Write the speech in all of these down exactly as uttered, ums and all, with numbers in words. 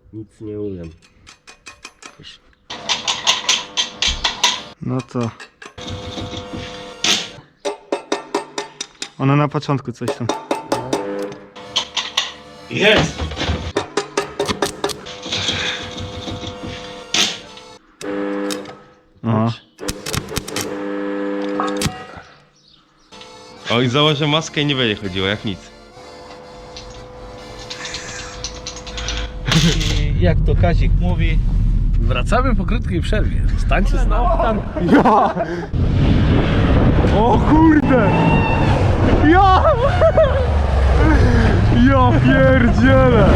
Nic nie umiem. No to... Ona na początku coś tam. Jest! Aha. O, i założę maskę i nie będzie chodziło jak nic. I jak to Kazik mówi, wracamy po krótkiej przerwie. Zostańcie z nami. Ja! O kurde! Ja! Ja pierdzielę!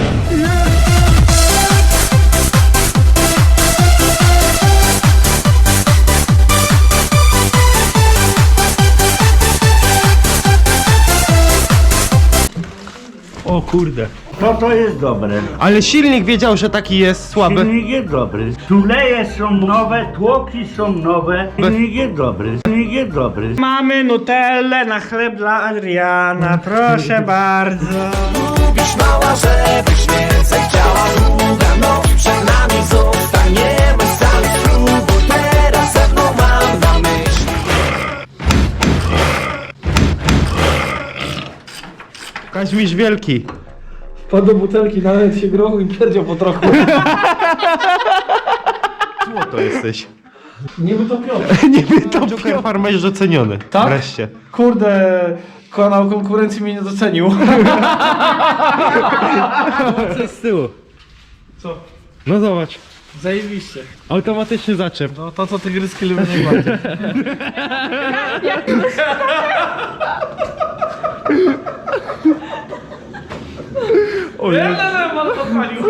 O kurde. To to jest dobre. Ale silnik wiedział, że taki jest słaby. Silnik jest dobry. Tuleje są nowe, tłoki są nowe. Silnik jest dobry. Silnik jest dobry. Mamy nutellę na chleb dla Adriana, proszę bardzo. Lubisz mała, żebyś więcej chciała. Długa noc przed nami, zostaniemy sami. Spróbuj teraz ze mną, mam na myśli. Kaźmiś wielki. Wpadł do butelki, nawet się grochu i pierdział po trochu. Złoto jesteś. Nie wytopiony. Nie to Joker Farma jest doceniony. Tak? Wreszcie. Kurde, kanał konkurencji mnie nie docenił. Co z tyłu? Co? No zobacz. Zajebiście. Automatyczny zaczep. No to co tygryski lubię najbardziej. O Nie, nie. nie, nie, pan podpalił.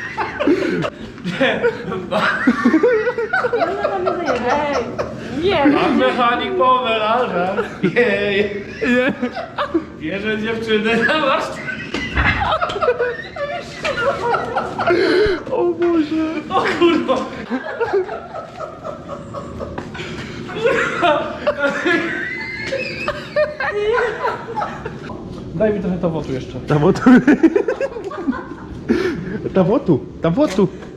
Nie, Pan mechanik po melanżach. Jej. Bierze dziewczynę na warsztat. O Boże. O kurwa. Daj mi trochę tawotu jeszcze. Tawotu. Tawotu. Tawotu.